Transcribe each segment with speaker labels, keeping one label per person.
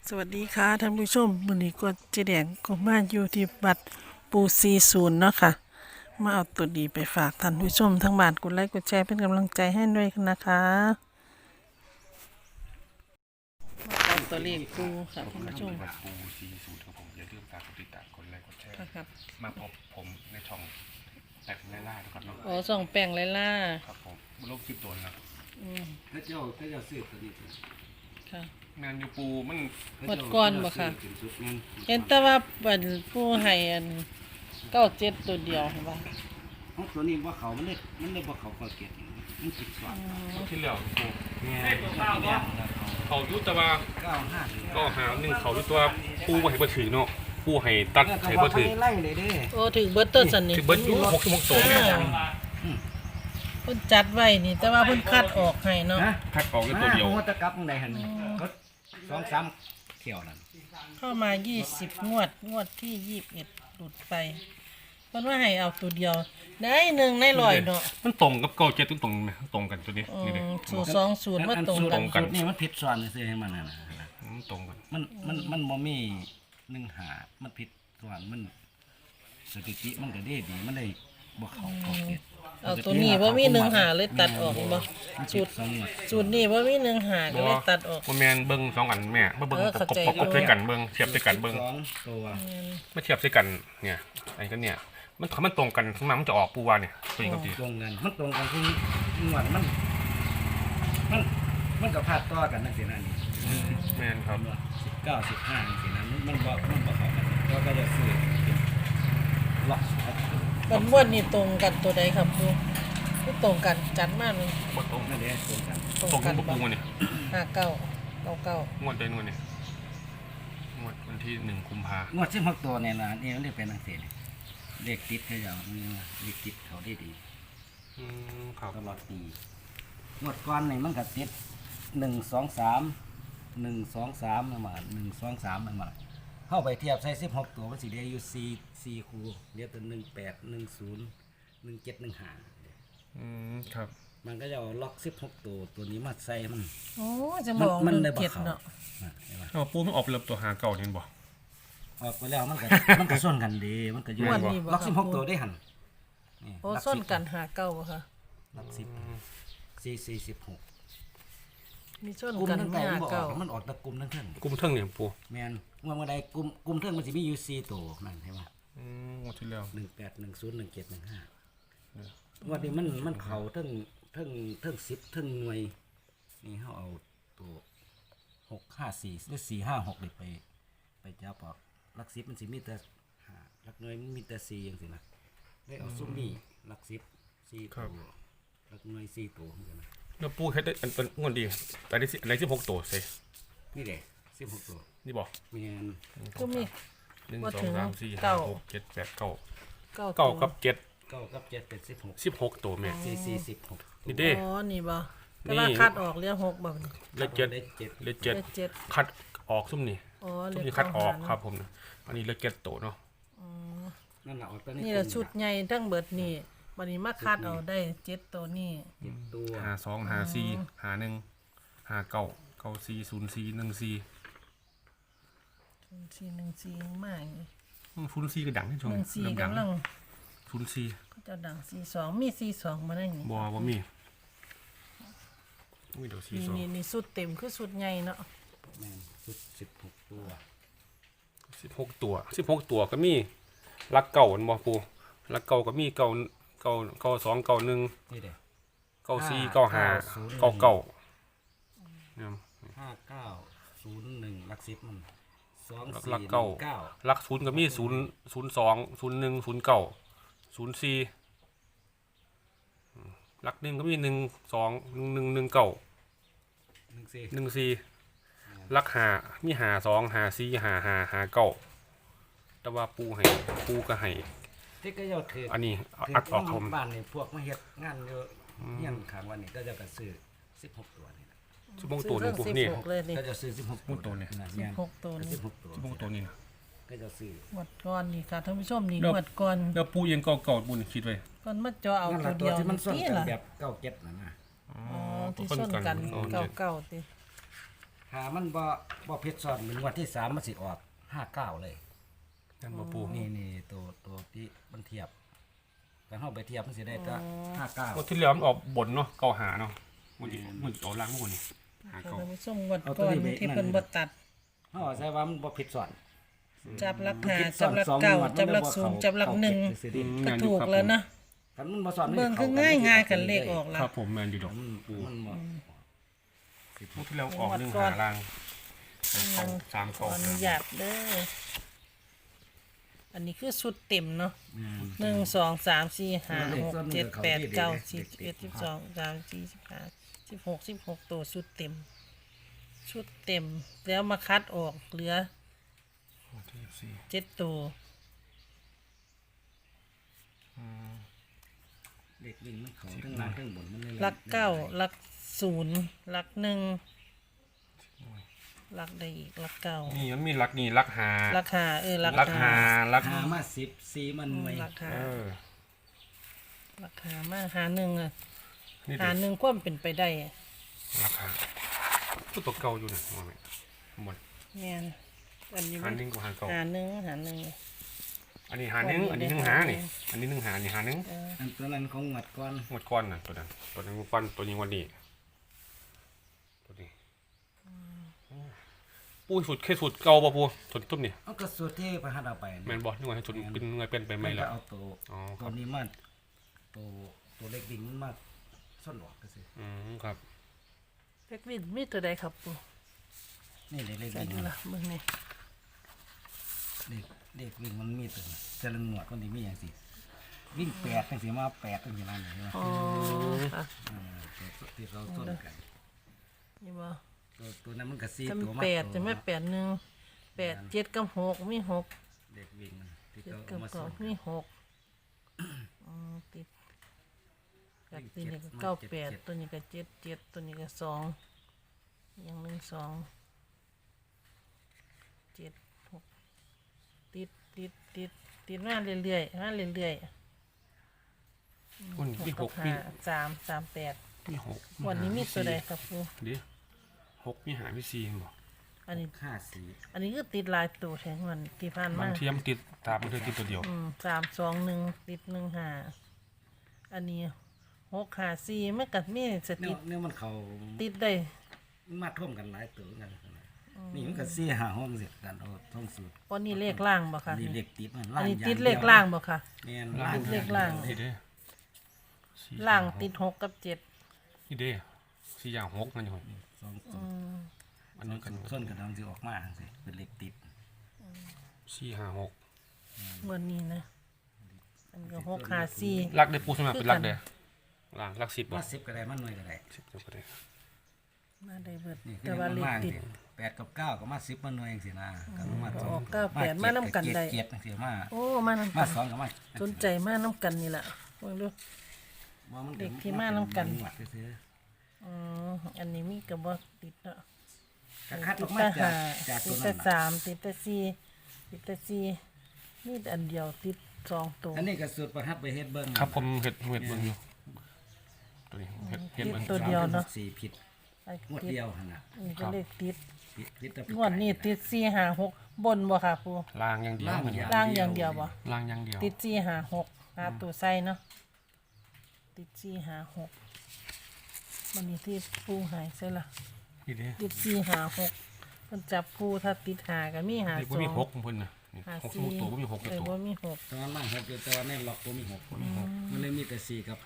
Speaker 1: สวัสดีค่ะท่านผู้ชมวันนี้ก็เจแดงก็มาอยู่ที่บัตรปู40เนาะค่ะมาเอาตัวดีไปฝากท่านผู้ชมทั้งบ้านกดไลค์กดแชร์เป็นกำลังใจให้ด้วยนะคะมาเอาตัวเลขปูค่ะท่านผู้ชม
Speaker 2: บัตรปู40ครับผมอย่าลืมฝากกดติดตามกดไลค์กดแชร์
Speaker 1: ครับ
Speaker 2: มาพบผมในช่องแตกไล่ล่านะครับเนาะ
Speaker 1: อ๋อส่องแป้งไล่ล่า
Speaker 2: ครับผมโลกคลิปตัวนะ
Speaker 3: พระเจ้าซื้อตัวนี้
Speaker 1: ค่ะ
Speaker 2: แมนยูปูมัน
Speaker 1: หมดก่อนบ่ค่ะ
Speaker 3: เป็นชุดนั้น
Speaker 1: เห็นแต่ว่าบัตรปูให้อัน97ตัวเดียวเห็นป่ะ
Speaker 3: เพราะตัวนี้ว่าเขามันได้บ่เขาเก็บมันติดสอน
Speaker 2: ที่เหลือปู
Speaker 3: เนี่ย
Speaker 2: เขายุตว่า
Speaker 3: 95
Speaker 2: ก็หาหนึ่งเขายุตว่าปูมาให้บ่ถือเนาะปูให้ตัดให้บ่ถือ
Speaker 3: ไล่เลยเด้
Speaker 1: โอ้ถึงเบิร์ตเตอร์สันนี่
Speaker 2: ถือเบิร์ดยู6ตัวเนี่ย
Speaker 1: เพิ่นจัดไว้นี่แต่ว่าเพิ่นคัดออกให้เนาะ
Speaker 3: ฮะ
Speaker 2: คัดออกแค่ตัวเดียว
Speaker 3: หัวตะกับตรงใดหั่นก็2-3เที่ยวนั่น
Speaker 1: เข้ามา20งวดที่21หลุดไปเพิ่นว่าให้เอาตัวเดียวได้1ใน100เนาะ
Speaker 2: มันตรงกับเก้าเจ็ดตรงไหมตรงกันตัวนี้นี่เลย
Speaker 1: สูตร20ว่าตรงกัน
Speaker 3: สูตรนี่มันผิดซ้อนซื่อให้มันน่ะ
Speaker 2: มันตรงกัน
Speaker 3: มันบ่มี1หามันผิดซ้อนมันสถิติมันก็ดีมันได้บ่เขาเก็บ
Speaker 1: เอาตัวนี้บ่มี1หาเลยตัดออกบ่สูตรนี้บ่มี1หาก็เลยตัดออก
Speaker 2: บ่แมนเบิ่ง2อันแม่บ่เบิ่ง
Speaker 1: เข้าใจ
Speaker 2: ประกบด้วยกันเบิ่งเทียบด้วยกันเบิ่ง
Speaker 3: 2ตัว
Speaker 2: ไม่เทียบด้วยกันเนี่ยไอ้ก็เนี่ยมันตรงกันขึ้นมามันจะออกปูวาเนี่ยตัวนี้ก็ดี
Speaker 3: ตรงกันมันตรงกันคืองวดมันก็พลาดต่อกันนั่นสินั่นนี่
Speaker 2: แม่นครับ
Speaker 3: 19 15นี่สินั่นมันบ่เข้ากันก็จะซื้อล็อก
Speaker 1: บัดม่วนนี่ตรงกันตัวใดครับครูบ่ตรงกันจัดมาเลย
Speaker 2: บ่ตรง
Speaker 3: นั่นเด้ตรงกัน
Speaker 1: ตรง
Speaker 2: ตรง
Speaker 1: กั
Speaker 2: กัน นปูเนี่ย
Speaker 1: 59
Speaker 2: งวดใจนู่นเนี่ยงวดวันที่1กุมภาง
Speaker 3: วด16ตัวเนี่ยนะนี่มันได้เป็นจังซี่เลขติดเขาอย่างนี้เลขติดเขาได้ดี
Speaker 2: ครับ
Speaker 3: ตลอดปีงวดก่อนนี่มันก็ติด1-2-3 นั่นมา1-2-3 นั่นมาเข้าไปเทียบใส่16ตัวมันสิได้อยู่4คู่เรียกตัว18 10 17 15
Speaker 2: ครับ
Speaker 3: มันก็จะเอาล็อก16ตัวนี้มาใส่มัน
Speaker 1: โอ้จะบอก
Speaker 3: มันได้
Speaker 1: 1
Speaker 3: บ่
Speaker 1: 7
Speaker 3: เข้า
Speaker 1: เนาะ
Speaker 3: เห็นปะ
Speaker 2: เอาปูมันออกเริ่มตัวหาเก่าเนี่ยบ่
Speaker 3: ออกไปแล้วมันก็ส่วนกันดีมันก็อยู่
Speaker 1: ม่วนนี่บ่
Speaker 3: ล็อก
Speaker 1: ครับ
Speaker 3: 16ตัวได้หั่นนี่
Speaker 1: โอ้
Speaker 3: ล็อก
Speaker 1: ส้น
Speaker 3: 10
Speaker 1: กันหาเก้าบ่คะ
Speaker 3: ล็อก10 4 16
Speaker 1: มีส้น
Speaker 3: กลุ่ม
Speaker 1: กัน
Speaker 3: ทั้ง
Speaker 1: ไม่
Speaker 3: ไก่
Speaker 1: หา
Speaker 3: มันบ่อ
Speaker 1: เก้า
Speaker 3: อกมันออกแตะกลุ่มทั้งเทิง
Speaker 2: กุมเทิงเนี่ยปู
Speaker 3: แม่นเมื่อใดกลุ่มเทิงมันสิมีอยู่4ตัวนั่นเห็นป่ะ
Speaker 2: งวดที่แล้ว
Speaker 3: 18 10 17 15วันนี้มันเข้าเทิง10เทิงหน่วยนี่เฮาเอาตัว6 5 4หรือ4 5 6นี่ไปจับออกหลัก10มันสิมีแต่5หลักหน่วยมันมีแต่4จังซี่นะได้เอาซุมนี้หลัก10 4ตัวหลักหน่วย4ตัวเหมือนกันนะ
Speaker 2: แล้วปูเฮ็ดได้เป็นงวดดีแต่ได้16ตัวใส่
Speaker 3: นี่แหละ16ตัว
Speaker 2: นี่บ่
Speaker 3: แม่น
Speaker 1: ก็มี
Speaker 2: 1
Speaker 1: ว่าถึง
Speaker 2: 2 3 4
Speaker 1: เก้า
Speaker 2: 5 6 7 8 9
Speaker 1: เก้า
Speaker 2: เก้ากับ7
Speaker 3: 9กับ7เป็น16
Speaker 2: 16ตัวแม่
Speaker 3: 4 16
Speaker 2: นี่เด้
Speaker 1: อ๋อนี่บ่แต่ว่าคัดออกเรียก6แบบนี้
Speaker 2: เลขเจ็ด
Speaker 3: ได้7
Speaker 2: เลข
Speaker 1: เลข
Speaker 2: 7
Speaker 1: 7
Speaker 2: คัดออกซุ่มนี่
Speaker 1: อ๋อ
Speaker 2: ซุ่
Speaker 1: เล
Speaker 2: ม
Speaker 1: ข
Speaker 2: นี่คัดออก
Speaker 1: เก้าหา
Speaker 2: ครับผมนะอันนี้เลข7ตัวเนาะ
Speaker 3: นั่นล่ะออกตัว
Speaker 1: นี่แหละชุดใหญ่ทั้งเบิดนี่บัดนี้มาคัดเอาได้7ตัวนี่
Speaker 3: ตัว
Speaker 2: 52 54 51 59 94 04 14
Speaker 1: 414มากนี่
Speaker 2: ฟูนซีก็ดังที่ช่วงเริ่ม
Speaker 1: 14
Speaker 2: ดัง
Speaker 1: กำลัง
Speaker 2: ฟูนซี
Speaker 1: ก็จะดัง42มี42มาได้นี่
Speaker 2: บ่มีอุ้ยเดี๋ยวซี
Speaker 1: นี่
Speaker 2: สอง
Speaker 1: นี่สุดเต็มคือสุดใหญ่เนาะ
Speaker 3: แม่นชุด16ตัว
Speaker 2: 16 ตัวก็มีรักเก่าอันบ่ปูรักเก่าก็มีเก่า2 1
Speaker 3: นี่เด้
Speaker 2: 94 95 99เนี่ย
Speaker 3: 5901หลัก10มัน2
Speaker 2: รัก
Speaker 3: 4
Speaker 2: เก่า
Speaker 3: 9
Speaker 2: รัก0ก็มี0 02 01 09 04รัก1ก็มี1 2 1 1 1 9
Speaker 3: 14
Speaker 2: 14รัก5มี5 2 5 4 5 5 5 9แต่ว่าปูก็ให้
Speaker 3: ที่ก็ยอดถือ
Speaker 2: อันนี้
Speaker 3: ถื
Speaker 2: อัดออกผม
Speaker 3: บ้านนี่พวกมาเฮ็ดงานอยู่เฮียนข้างวันนี่ก็จะก็ซื้อ16ตัวนี่นะ
Speaker 2: 16ตัวนึงปูนี่
Speaker 1: 16เลยนี่
Speaker 3: ก็จะซื้อ16ตัวนี่นะแม่น
Speaker 1: 16ตัวนี่
Speaker 3: 16ตัว
Speaker 2: 16ตัวนี่นะ
Speaker 3: ก็จะซื้อ
Speaker 1: หมดก่อนนี่ค่ะท่านผู้ชมนี่
Speaker 2: แล้ว
Speaker 1: หมดก่อน
Speaker 2: แล้วปูยังเก่าๆปูนี่คิดไว้
Speaker 1: ก่อนมาเจาะเอา
Speaker 3: นั่น
Speaker 1: ตั
Speaker 3: ล่ะ
Speaker 1: ว
Speaker 3: ตั
Speaker 1: เดียว
Speaker 3: วที่มันส้น
Speaker 1: นี่
Speaker 3: กัน
Speaker 1: ล่ะ
Speaker 3: แบบ97นั่นนะ
Speaker 1: อ๋อที่ส้นกันเก่าๆติ
Speaker 3: หามันบ่เพชรซ้อนเหมือนงวดที่3มันสิออก59เลย
Speaker 2: นั่นบ่ปู
Speaker 3: นี่ตัวที่มันเทียบกันเฮาไปเทียบมันสิได้ก็
Speaker 2: งวดที่แล้วมันออกบนเนาะเก่าหาเนาะมันออกล่างหมดนี่หา
Speaker 1: ค่ะ
Speaker 2: เก่า
Speaker 1: ท่านผู้ชมงวดก่อนที่เพิ่นบ่ตัด
Speaker 3: 59เฮาใช้ว่ามันบ่เพชรซ้อน
Speaker 1: จับหลักหาจับหลักเก่าจับหลักศูนย์จับหลักหนึ่งก็ถูกแล้วนะ
Speaker 3: กันมันบ่ซ้อน
Speaker 1: เบิ่งคือง่ายๆกันเลขออก
Speaker 2: ค
Speaker 1: แล้ว
Speaker 2: รับผมแมนอยู่ดอกปู
Speaker 3: มันบ่
Speaker 2: งวดที่แล้วออก1หาล่างเอา3
Speaker 1: ขอ
Speaker 2: เก่า
Speaker 1: อนุญาตเด้ออันนี้คือชุดเต็มเนาะ1 2 3 4 5 6 7 8 9 10 11 12 13 14 15 16 16ตัวชุดเต็ม ชุดเต็มแล้วมาคัดออกเหลือ
Speaker 2: งวดที่สี่
Speaker 1: 7ตัว
Speaker 3: เด็กวิ่งมันเขาทั้งล่างทั้งบนมันเลย
Speaker 1: หลักเก้าหลักศูนย์หลักหนึ่งหลักใดอีกหลักเก้า
Speaker 2: นี่มันมีลักนี่ลักหา
Speaker 1: หลักหาหลัก
Speaker 2: ลักหาลัก
Speaker 3: หามา10 4มันหน่วย
Speaker 1: หลักหา
Speaker 2: เออ
Speaker 1: หลักหามาหาหนึ่งอะ
Speaker 2: นี่
Speaker 1: หา
Speaker 2: เด็ก
Speaker 1: หนึ่งความเป็นไปได้อะ
Speaker 2: ลักหาตัวเก่าอยู่นะว่าไหมหมด
Speaker 1: เนี่ยอันนี้
Speaker 2: หาหนึ่งกับหาเก่า
Speaker 1: หาหนึ่งหาหนึ่ง
Speaker 2: อันนี้หาหนึ่งอันนี้หนึ่งหานี่อันนี้หนึ่งหานี่หาหนึ่ง
Speaker 3: อันตัวนั้นของงวดก่อน
Speaker 2: งวดก้อนน่ะตัวนั้นงวดก้อนตัวนี้งวันนี้ตัวนี้ปูสุดแค่สุดเก่าป่ะปูสุดตุ้มนี่
Speaker 3: เอาก็สูตรที่ไปหาเอาไป
Speaker 2: แมนบอลนี่ว่าให้สุดเป็นเงยเป็นไปไหม
Speaker 3: มันก็
Speaker 2: ล่ะ
Speaker 3: เอาตัว
Speaker 2: อ๋อค
Speaker 3: ตั
Speaker 2: รั
Speaker 3: ว
Speaker 2: บ
Speaker 3: นี้มาตัวเล็กดิ่งมันมาซ่อนหลอกก็สิ
Speaker 2: ครับ
Speaker 1: เล็กวินมีตัวใดครับปู
Speaker 3: นี่เล็ก
Speaker 1: ใส่
Speaker 3: ดิ่ง
Speaker 1: ดูละมึงนี่
Speaker 3: เด็กวิ่งมันมีตัวแต่ละงวดมันสิมีอย่างสิวิ่ง8จังสิมา8จังสิมาเนี่ยใช่ไหม
Speaker 1: อ๋อค่ะ
Speaker 3: ตัวที่เราต้นกัน
Speaker 1: นี่บ่
Speaker 3: ตัวนั้นมันก็4
Speaker 1: จ
Speaker 3: ตัว
Speaker 1: ำ
Speaker 3: มา
Speaker 1: แปดจะไม่แปดหนึ่งแปดเจ็ดกับหกมีหก
Speaker 3: เด็กวิ่งมันที่
Speaker 1: เจ็ด
Speaker 3: เขา
Speaker 1: กับ
Speaker 3: มา
Speaker 1: เก้า
Speaker 3: ส่ง
Speaker 1: มีหกติดกับตัวนี้ก็เก้าแปดตัวนี้ก็เจ็ดเจ็ดตัวนี้ก็สองอย่างหนึ่งสองเจ็ดหกติดมาเรื่อยๆมาเรื่อย
Speaker 2: คุณ
Speaker 1: ๆ
Speaker 2: มีหก
Speaker 1: กับ
Speaker 2: มี
Speaker 1: ห้า338
Speaker 2: มีหก
Speaker 1: วันนี้มีตัวใดครับครู
Speaker 2: เดี๋ยวหกมีหามีสี่บอก
Speaker 1: อันนี้
Speaker 3: 54
Speaker 1: อันนี้คือติดหลายตัวแทงวันที่ผ่าน
Speaker 2: บา
Speaker 1: มา
Speaker 2: งเทียมนติดตามมันเธอติดตัวเดียว
Speaker 1: 321ติด15อันนี้654มันก็มีส
Speaker 3: เนี่
Speaker 1: ติ
Speaker 3: ยมันเขา
Speaker 1: ติดได้
Speaker 3: มาท่วมกันหลายตัวกันนี่มันก็4 5ห้องสิกันเอาท่องสูตร
Speaker 1: วันนี้เลขล่างบ่ค่ะ
Speaker 3: นี่เลขติดมัน
Speaker 1: อันนี้
Speaker 3: ย่
Speaker 1: ติดเลขล่างบ่ค่ะ
Speaker 3: แม่น
Speaker 2: ล่าง
Speaker 1: ติดเลขล่าง
Speaker 2: นี่เด้สี่
Speaker 1: ล่างติด6กับ7
Speaker 2: นี่เด้สี่อย่างหกนั่นอยู่
Speaker 3: สองตัว
Speaker 2: อันนี้กัน
Speaker 3: ส้นกระดองสิออกมาสิเป็นเลขติด
Speaker 2: สี่หาหก
Speaker 1: วันนี้นะอันก็654
Speaker 2: ลักได้ปูสมัครเป็นลักเด้ล่างลัก10บ่
Speaker 3: มา10ก็ได้มาหน่วยก็ได้
Speaker 2: 10ก็ได้
Speaker 1: มาได้เบิด
Speaker 3: นี่คือ
Speaker 1: แต่ว่าเลข
Speaker 3: มาก
Speaker 1: ติด
Speaker 3: 8กับ9ก็มา10มาหน่วยจังซี่นะก็มา
Speaker 1: ออก9 8มานำกันได้
Speaker 3: เกียรติจังซี่มา
Speaker 1: โอ้มานำ
Speaker 3: มา
Speaker 1: กัน
Speaker 3: สองก็มา
Speaker 1: สนใจมานำกันนี่ล่ะเบิ่งดู
Speaker 3: ว่ามัน
Speaker 1: เด็กที่มานำกัน
Speaker 3: หวัดซื่อ
Speaker 1: อันนี้มีกระบอกติดเนาะ
Speaker 3: ๆก็คัดอ
Speaker 1: ติ
Speaker 3: อ
Speaker 1: ด
Speaker 3: กมา
Speaker 1: แต่
Speaker 3: จาก
Speaker 1: 5
Speaker 3: ตัว
Speaker 1: ติด
Speaker 3: นั้
Speaker 1: แต่
Speaker 3: นน่ะ
Speaker 1: 3ติดแต่4ติดแต่4นี่อันเดียวติด2ตัว
Speaker 3: อันนี้ก็สูตรประหัดไปเฮ็ดเบิ่ง
Speaker 2: ครับผมเห็ดเบิ่งอยู่ตัวนี้เห็ดเบิ่ง
Speaker 1: ตัวเดียวเนาะ
Speaker 3: 4ผิด
Speaker 1: ไอ้
Speaker 3: งวด
Speaker 1: ติด
Speaker 3: เดียวหั่นน่ะ
Speaker 1: นี่ก็เลขติด
Speaker 3: ผิดแต่
Speaker 1: งวดนี้ติด4 5 6บนบ่ค่ะปู
Speaker 2: ล่างอย่างเดียว
Speaker 1: ล่างอย่างเดียวบ่
Speaker 2: ล่างอย่างเดียว
Speaker 1: ติด4 5 6หาตัวใส่เนาะติด4 5 6มันนี่ที่ปูหายใช่ล่ะ
Speaker 2: นี่เด้
Speaker 1: ติด4 5 6มันจับปูถ้าติด5ก็มี5
Speaker 2: นี่บ่มีหกของเพิ่นน่ะนี่
Speaker 1: 5
Speaker 2: หกสมุดตัวบ่มีหกอยู่ตัว
Speaker 1: บ่มีหก
Speaker 3: ตอนมัน6อยู่แต่ว่าในล็อกบ่มี6มันเลยมีแต่4กับ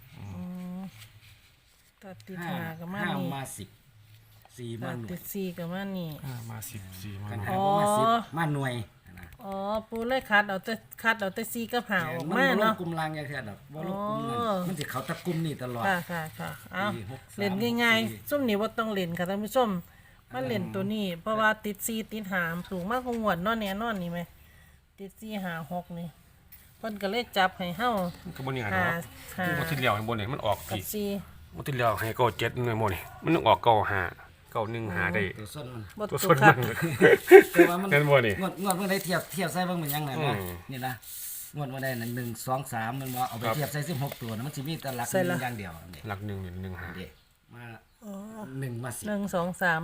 Speaker 1: ถ้าติด
Speaker 3: 5
Speaker 1: 5ก็มา
Speaker 3: 5
Speaker 1: นี่
Speaker 3: มา10 4มา
Speaker 1: ถ้า
Speaker 3: หน่ว
Speaker 1: ติ
Speaker 3: ย
Speaker 1: ด4ก็มานี่
Speaker 2: มา14มา
Speaker 3: กัน
Speaker 2: หน่อย
Speaker 3: หาบ่มา10มาหน่วยนะ
Speaker 1: อ๋อปูเลยคัดเอาแต่4กับ5ออกมา
Speaker 3: บ่ล
Speaker 1: เนาะ
Speaker 3: งกลุ่มล่างอย่างเท่าดอกบ่ลงกลุ่มนั้น
Speaker 1: อ๋อ
Speaker 3: มันสิเขาตะกลุ่มนี่ตลอด
Speaker 1: ค่ะเอา
Speaker 3: 4 6 3
Speaker 1: เล่นง่ายๆซุ่มนี้บ่ต้องเล่นค่ะท่านผู้ชมมาเล่นตัวนี้ เพราะว่าติด4ติด5สูงมากกว่างวดเนาะแน่นอนนี่ไหมติด4 5 6นี่เพิ่นก็เลยจับให้เฮา
Speaker 2: มันก็บ่นี่หา
Speaker 1: หา
Speaker 2: เนาะ
Speaker 1: หา
Speaker 2: มันที่แล้วให้บ่นี่มันออก
Speaker 1: กับ
Speaker 2: พี่
Speaker 1: 4
Speaker 2: มันที่แล้วให้เก้า7หน่วยบ่นี่มันต้องออกเก้าห้าเก้า1หาได้
Speaker 3: ตัวส้นมัน
Speaker 1: บ่
Speaker 2: ตัว
Speaker 1: ตุ
Speaker 2: ส่วน
Speaker 1: คั
Speaker 2: มั
Speaker 1: ด
Speaker 2: น
Speaker 3: แต่ว่ามัน
Speaker 2: เห็นบ่นี่
Speaker 3: งวดเมื่อได้เทียบใส่เบิ่งเป็นยังไง
Speaker 2: อื
Speaker 3: นะ
Speaker 2: ม
Speaker 3: นี่นะงวดเมื่อได้นั่น1 2 3มันว่าเอาไป
Speaker 2: ครับ
Speaker 3: เทียบใส่16ตัวนะมันสิมีแต่หลักหนึ่งอย่างเดียวนี่
Speaker 2: หลัก1นี่1หา
Speaker 3: เด้มา1มา10
Speaker 1: 1 2 3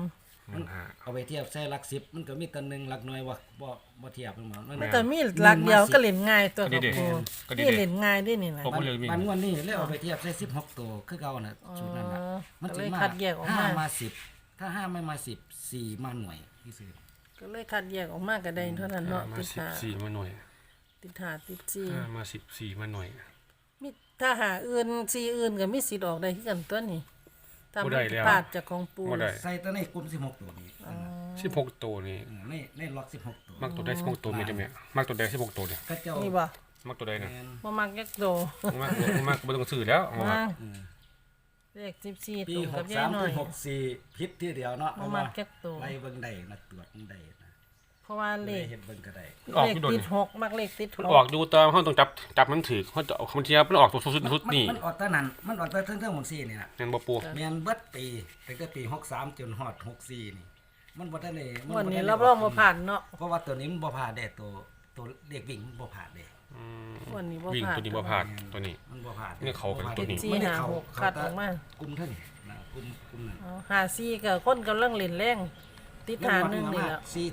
Speaker 2: 15
Speaker 3: เอาไปเทียบใส่หลักสิบมันก็มีตัวหนึ่งหลักหน่วยว่าบ่เทียบมัน
Speaker 1: มันก็มีหลักเดียวก็เล่นง่ายตัว
Speaker 2: ก็
Speaker 1: กับ
Speaker 2: ดี
Speaker 1: ปู
Speaker 2: ก็ดี
Speaker 1: นี่เล่นง่ายด้วยนี่นะ
Speaker 2: ผมก็เลยวิ่ง
Speaker 3: มันงวดนี้เลยเอาไปเทียบใส่16ตัวคือเก่าน่ะชุดนั้นน่ะ
Speaker 1: ก็
Speaker 3: สิ
Speaker 1: เลยคัดแยกออกมา
Speaker 3: 5มา10ถ้า5ไม่มา10 4มาหน่วยที่ซื้อ
Speaker 1: ก็เลยคัดแยกออกมาก็ได้เท่านั้นเนาะ
Speaker 2: มา
Speaker 1: ติดหา
Speaker 2: 14มาหน่วย
Speaker 1: ติดหาติดสี่
Speaker 2: มา14มาหน่วย
Speaker 1: มีถ้าหาอื่นสีอื่นก็มีสิทธิ์ออกได้คือกันตัวนี้ถ้า
Speaker 2: บ่
Speaker 1: มัน
Speaker 2: ได้แล้ว
Speaker 1: พลาดจากของปู
Speaker 2: บ่ได้
Speaker 3: ใส่ตัวในกลุ่ม16ตัวนี้
Speaker 2: 16ตัวนี่
Speaker 3: ในล็อก16ตัว
Speaker 2: มักตัวได้16ตัวมีได้ไหมมักตัวได้16ตัวเนี่ย
Speaker 3: ก็เจ้า
Speaker 1: นี่บ่
Speaker 2: มักตัวได้นะ
Speaker 3: แม่น
Speaker 1: บ่มักยักโต
Speaker 2: มักบ่ต้องซื้อแล้ว
Speaker 1: มาเลข14
Speaker 3: ปี
Speaker 1: ตรงกับยาย
Speaker 3: 63
Speaker 1: หน่อย
Speaker 3: ถึง64ผิดที่เดียวเนาะ
Speaker 1: บ่มักยักโต
Speaker 3: ไล่เบิ่งได้นักตรวจเบิ่งได้นะ
Speaker 1: เพราะว่าเล
Speaker 3: เลย
Speaker 1: ข
Speaker 3: เฮ็ดเบิ่งก็ได้
Speaker 2: ออก
Speaker 1: เลข
Speaker 2: อยู่โดน
Speaker 1: ติด6มักเลขติด
Speaker 2: มัน
Speaker 1: ห
Speaker 2: ออก กอยู่ตามเฮาต้องจับมันถือเฮาจะบางทีมันออกตัวสุดนี่
Speaker 3: มันออกตอนนั้นมันออกตอนเทิงๆหมด4นี่น่ะ
Speaker 2: แม่นบ่ปู
Speaker 3: แม่นเบิดปีตั้งแต่ปี63จนฮอด64นี่มันบ่ทันได้
Speaker 1: วันนี้รับรองบ่ผ่านเนาะ
Speaker 3: เพราะว่าตัวนี้มันบ่ผ่านได้ตัวเด็กวิ่งมันบ่ผ่านเด้
Speaker 1: วันนี้บ่
Speaker 2: วิ่ง
Speaker 1: ผ่าน
Speaker 2: ตัวนี้บ่ผ่านตัวนี้
Speaker 3: มันบ่ผ่าน
Speaker 2: นี่เขากันตัวนี้
Speaker 1: สี่ห้าหกคัดออกมา
Speaker 3: กลุ่มเท่านี้นะกลุ่มนั้น
Speaker 1: อ๋อหาซี่ก็คนกำลังเล่นแรงติดหาหนึงนี่แหละ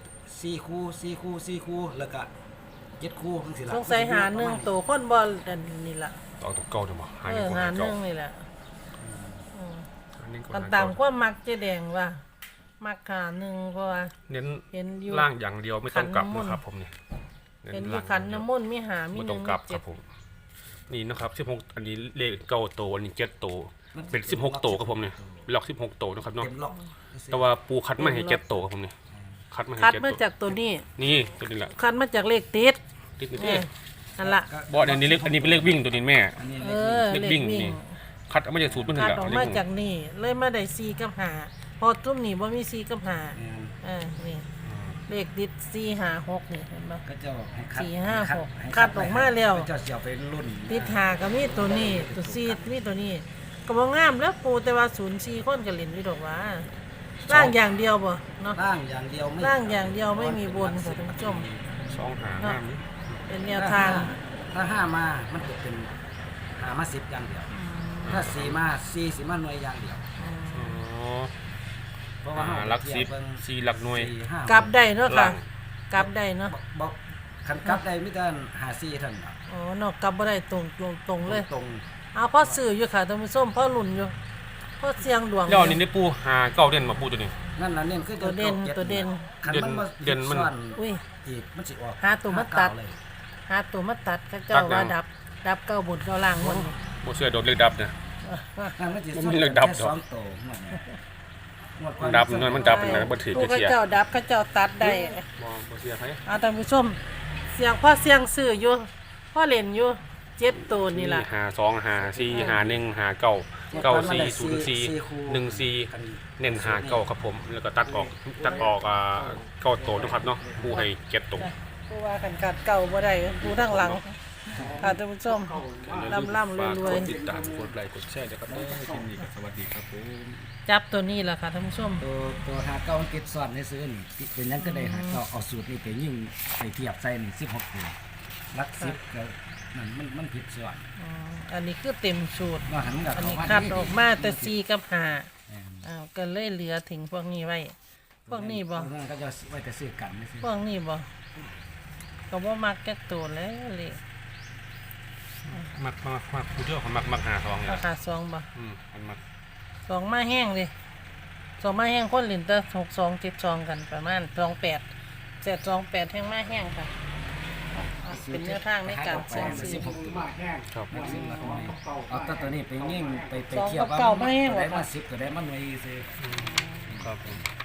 Speaker 3: 4คู่แล้วก็7คู่จังซี่ล่ะ
Speaker 1: สงสัยหาหนึงโตคนบ่อันนี้ล่ะ
Speaker 2: ออกตัวเก่าจังบ่หา
Speaker 1: เอ
Speaker 2: อยู่
Speaker 1: อ
Speaker 2: คน
Speaker 1: หา
Speaker 2: หา
Speaker 1: หนึ
Speaker 2: เก่าง
Speaker 1: นี่แหละ
Speaker 2: อันนี้ก็
Speaker 1: กัน
Speaker 2: หา
Speaker 1: ตา
Speaker 2: เก่าม
Speaker 1: ความมักเจ๊แดงว่ามักหาหนึงเพราะว่า
Speaker 2: เน้น
Speaker 1: เห็นอยู่
Speaker 2: ล่างอย่างเดียวไม่ต้องกลับ
Speaker 1: ขันน้ำมนต์
Speaker 2: นะครับผมนี่
Speaker 1: เห็นอยู่ขันน้ำมนต์มีหามี
Speaker 2: ไม่
Speaker 1: ห
Speaker 2: ต้
Speaker 1: นึ่
Speaker 2: อง
Speaker 1: ง
Speaker 2: กลับ
Speaker 1: มี
Speaker 2: ค
Speaker 1: เจ็
Speaker 2: รั
Speaker 1: ด
Speaker 2: บผมนี่นะครับ16อันนี้เลขเก้าตัวอันนี้7ตัวเป็น16ตัวครับผมนี่ล็อก16ตัวนะครับเนาะ
Speaker 3: เต็มล็อก
Speaker 2: แต่ว่าปูคัดมาให้7ตัวครับผมนี่คัดมาให้
Speaker 1: คัด
Speaker 2: 7
Speaker 1: มา
Speaker 2: ตัว
Speaker 1: จากตัวนี้
Speaker 2: นี่ตัวนี้แหละ
Speaker 1: คัดมาจากเลขติด
Speaker 2: ติดนี่
Speaker 1: เอ
Speaker 2: เด้
Speaker 1: อนั่นล่ะ
Speaker 2: บ่อันนี้เลขอันนี้เป็นเลขวิ่งตัวนี้แม่
Speaker 3: อันนี้
Speaker 1: เอ
Speaker 3: เลข
Speaker 1: อ
Speaker 2: เลข
Speaker 1: เลข
Speaker 2: วิ่ง
Speaker 1: วิ่ง
Speaker 2: นี่ คัดเอามาจากสูตรมันนี่
Speaker 1: คัด
Speaker 2: แหละ
Speaker 1: ออก
Speaker 2: เลข
Speaker 1: มา
Speaker 2: วิ่ง
Speaker 1: จากนี่เลยมาได้4กับ5พอตุ้มนี่บ่มี4กับ5
Speaker 3: แม่น
Speaker 1: นี่เลขติด4 5 6นี่เห็นบ่
Speaker 3: ก็เจ้าให้คัด
Speaker 1: สี่ห้า
Speaker 3: ให้
Speaker 1: หก
Speaker 3: ให้
Speaker 1: คัดออกมาแล้ว
Speaker 3: เจ้าสิเอาไปรุ่น
Speaker 1: ติดหาก็มีตัวนี้ตัวซีมีตัวนี้ก็บ่งามแล้วปูแต่ว่า04คนก็เล่นอยู่ดอกว่าร่างอย่างเดียวบ่เนาะ
Speaker 3: ร่างอย่างเดียวไม่
Speaker 1: ร่างอย่างเดียวไม่มีบนค่ะท่านผู้ชม
Speaker 2: 2หาห้านี่
Speaker 1: เป็นแนวทาง
Speaker 3: ถ้า5มามันจะเป็น5มา10อย่างเดียว ถ้า4มา4สิมาหน่วยอย่างเดียว
Speaker 2: อ๋อ
Speaker 3: เพราะว่า
Speaker 2: หลัก10 4หลักหน่วย
Speaker 1: กลับได้เนาะค่ะ
Speaker 2: ล่าง
Speaker 1: กลับได้เนาะ
Speaker 3: บอกคันกลับได้มีแต่54เท่านั้น
Speaker 1: อ๋อเนาะกลับบ่ได้ตรงเลย
Speaker 3: ตรง
Speaker 1: เอาพ่อซื้ออยู่ค่ะท่านผู้ชมพ่อลุ่นอยู่พ่อเสียงดวง
Speaker 2: แล้วอันนี้ได้ปูหาเก้าเด่นมาปูตัวนี้
Speaker 3: นั่นน่ะเน้นคือ
Speaker 1: ตัวเด่น
Speaker 3: จ็
Speaker 1: ตัวเด่น
Speaker 3: คันมันมา
Speaker 2: เด่นมัน
Speaker 3: ซ่อน
Speaker 1: อุ้ย
Speaker 3: อีกมันสิออก
Speaker 1: หาตัวมาตัด
Speaker 3: เลย
Speaker 1: หาตัวมาตัดเขาเจ้าว่าดับเก้าบุญเก้าล่างหมด
Speaker 2: บ่เชื่อโดนเลขดับนะ
Speaker 3: นั่นมันสิ
Speaker 2: มัน
Speaker 3: ซ่อน
Speaker 2: มีเลขดับ
Speaker 3: แค่
Speaker 2: ดอก
Speaker 3: สองตัวหมดเนี่ยหมดก่อ
Speaker 2: ดับนั่นมันดับเป็นไงบ่ถือ
Speaker 1: ผู้
Speaker 2: จะ
Speaker 1: เขา
Speaker 2: เทียบ
Speaker 1: เจ้าดับเขาเจ้าตัดได้
Speaker 2: บ่เชื่อไผ
Speaker 1: เอาท่านผู้ชมเสียงพ่อเสียงซื้ออยู่พ่อเล่นอยู่7ตัวนี่ล่ะ
Speaker 2: หา2หา4หา1หา9 9 4 0 4 1 4เน้นหาเก้าครับผมแล้วก็ตัดออกเก้าตัวนะครับเนาะปูให้7ตัว
Speaker 1: ผู้ว่ากันกัดเก่าบ่ได้ผู้ทั้งหลังค่ะท่านผู้ชมล่ำๆรวย
Speaker 2: กดติดตามกดไลค์กดแชร์นะครับได้คลิปนี้ก็สวัสดีครับผม
Speaker 1: ๆจับตัวนี้ล่ะค่ะท่านผู้ชม
Speaker 3: ตัวหาเก้ามันติดซ่อนในซื้อนี่เป็นหยังก็ได้หาเก้าเอาสูตรนี้ไปยิ่งไปเทียบใส่นี่16ตัวหลัก10ก็นั่นมันผิดส่วน
Speaker 1: อันนี้คือเต็มสูตร
Speaker 3: ว่าหันกับ
Speaker 1: อัน
Speaker 3: เขา
Speaker 1: นี้
Speaker 3: ว่า
Speaker 1: คัดออกมาแต่4กับ
Speaker 3: แม่น
Speaker 1: 5อ้าวก็เลยเหลือถึงพวกนี้ไว้ พวกนี้บ่
Speaker 3: พวกนั้นก็จะไว้แต่ซื้อกันไม่ซื้อ
Speaker 1: พวกนี้บ่ก็บ่มักจักตัวแล้วเลย
Speaker 2: มักผู้เที่ยวเขามักหาทองเนี่ย
Speaker 1: ราคา2บ่
Speaker 2: มันมัก
Speaker 1: 2มาแห้งเลย2มาแห้งคนเล่นแต่62 72กันประมาณ28 728แห้งมาแห้งค่ะเป็นแนวทางในการเสี่ยงซื้อ
Speaker 3: 16ตัว
Speaker 2: ครับ
Speaker 3: ซื้อมาทำไมเอาตัวตัวนี้ไปยิ่งไป
Speaker 1: สอง
Speaker 3: เทีย
Speaker 1: กั
Speaker 3: บบ ว่า
Speaker 1: เก้าไม่ให้หรอ
Speaker 3: ได้
Speaker 1: คะ
Speaker 3: มา10ก็ได้มาหน่วยซื้อ
Speaker 2: ครับผม